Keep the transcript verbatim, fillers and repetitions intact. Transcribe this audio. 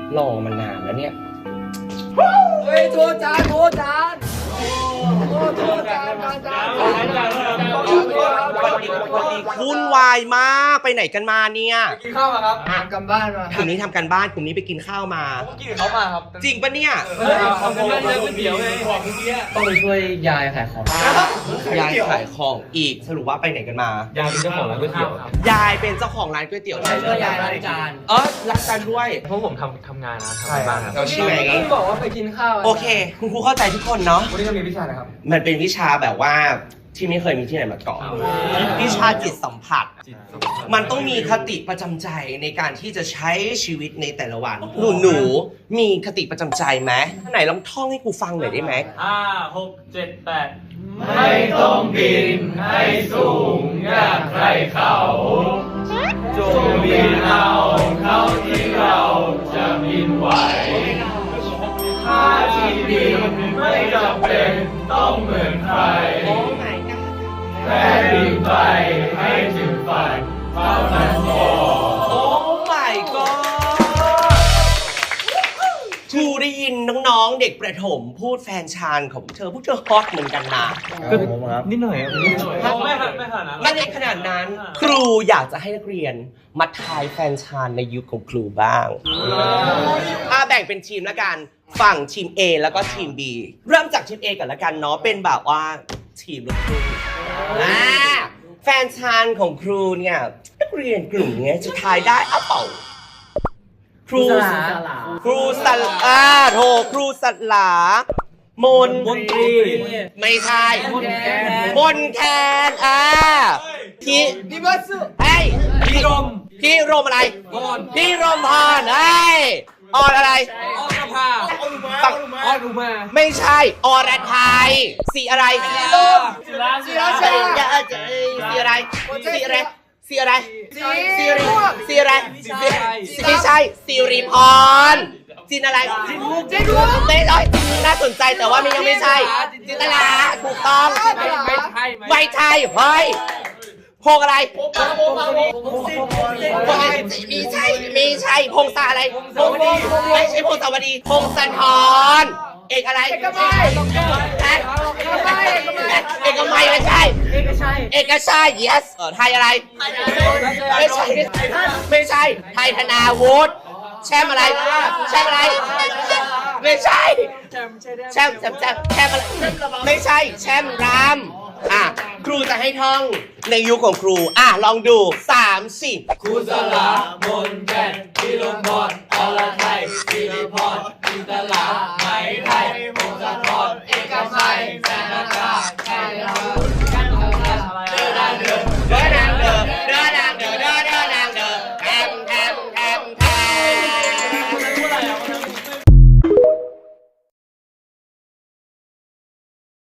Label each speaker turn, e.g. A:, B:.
A: รอมานานแล้วเนี่ย
B: เฮ้ยโทษจานโทษจานโทษโทษจานจานจาน
A: วุ่นวายมากไปไหนกันมาเนี่ย
B: กินข้าวมาครับทำกันบ้านมาก
A: ลุ่มนี้ทำกันบ้านกลุ่มนี้ไปกินข้าวมา
B: ผมกินเขามาครับ
A: จริงปะเนี่ย
B: ทำกันบ้านเลยก๋วยเตี๋ยวไงของเมื่อกี้ต้องไปช่วยยายขายของ
A: ยายขายของอีกสรุปว่าไปไหนกันมาย
B: ายเป็นเจ้าของร้านก๋วยเตี๋ยวย
A: ายเป็นเจ้าของร้านก๋วยเตี๋ยวใช่ไหม
B: ยายล้างจาน
A: เออล้างจานด้วย
C: เพราะผมทำทำงานนะทำกันบ้านครับ
A: เราชื่ออะไรกัน
B: บอกว่าไปกินข้าว
A: โอเคคุณครูเข้าใจทุกคนเนาะ
B: วันนี้เรามีวิชาอะไรครับ
A: มันเป็นวิชาแบบว่าที่ไม่เคยมีที่ไหนมาก่อนวิชาจิตสัมผัสมันต้องมีคติประจำใจในการที่จะใช้ชีวิตในแต่ละวันหนูหนูมีคติประจำใจไหมไหนลองท่องให้ครูฟังหน่อยได้ไหม
C: ห้าหกเจ็ดแปด
B: ไม่ต้องบินให้สูงอย่างใครเขาจงบินเอาเท่าที่เราจะบินไหวถ้าที่บินไม่จำเป็นต้องเหมือนใครแค่บินไปให้ถึงฝันเท่านั้นพอ
A: โอ้ my god ทูได้ยินน้องๆเด็กประถมพูดแฟนชานของเธอพวกเธอฮอตเหมือนกันนะ
C: นิดหน่อยนิดหน่อยไม่ขนาดไม่ขนาดนั้น
A: ไม่ได้ขนาดนั้นครูอยากจะให้นักเรียนมาทายแฟนชานในยุคของครูบ้างอ่าแบ่งเป็นทีมละกันฝั่งทีม A แล้วก็ทีม B เริ่มจากทีม A ก่อนละกันเนาะเป็นแบบว่าทีมลูกครึ่งอ่าแฟนชานของครูเนี่ยนักเรียนกลุ่มนี้จะทายได้อ่ะเปล่าครูครูสัลอ่าโถครูสัตลามน
C: มนตรี
A: ไม่ใช่มนแคนอ่าพี่
B: พี่บัส
A: ไอ้
C: พี่รม
A: พี่รมอะไร
C: พร
A: พี่รมพรไอ้ออนอะไร
C: ออนภา
A: ฝั่ง
C: ออนอุมา
A: ไม่ใช่อรไทยสีอะไรสีลม
C: สีรา
A: สีราสีอะไรสีอะไรสีอะไรสีริสีอะไรไม่ใช่สิริพรจินอะไรจินมุกจินมุกไม่ใช่น่าสนใจแต่ว่ามันยังไม่ใช่จินตลาถูกต้อง
C: ไม่ใช่
A: ไม่ใช่เฮ้ยพงอะไรมีใช่มีใช่พงศาอะไรพงไม่ใช่พงศาวดีพงศธรเอกอะไรเอกมัยเอกมัยไม่ใช่เอกชัยเอกชัย yes เออไทยอะไรไม่ใช่ไม่ใช่ไทยธนาวุฒิแชมป์อะไรแชมป์อะไรไม่ใช่แชมป์แชมป์แชมป์แชมป์อะไรไม่ใช่แชมป์รามอ่ะครูจะให้ท่องในยุคของครูอ่ะลองดูสามสี่
B: ครูสลามนแก่นพี่ลมพรอรไทยสิริพรจินตลาไหมไทยพงศธ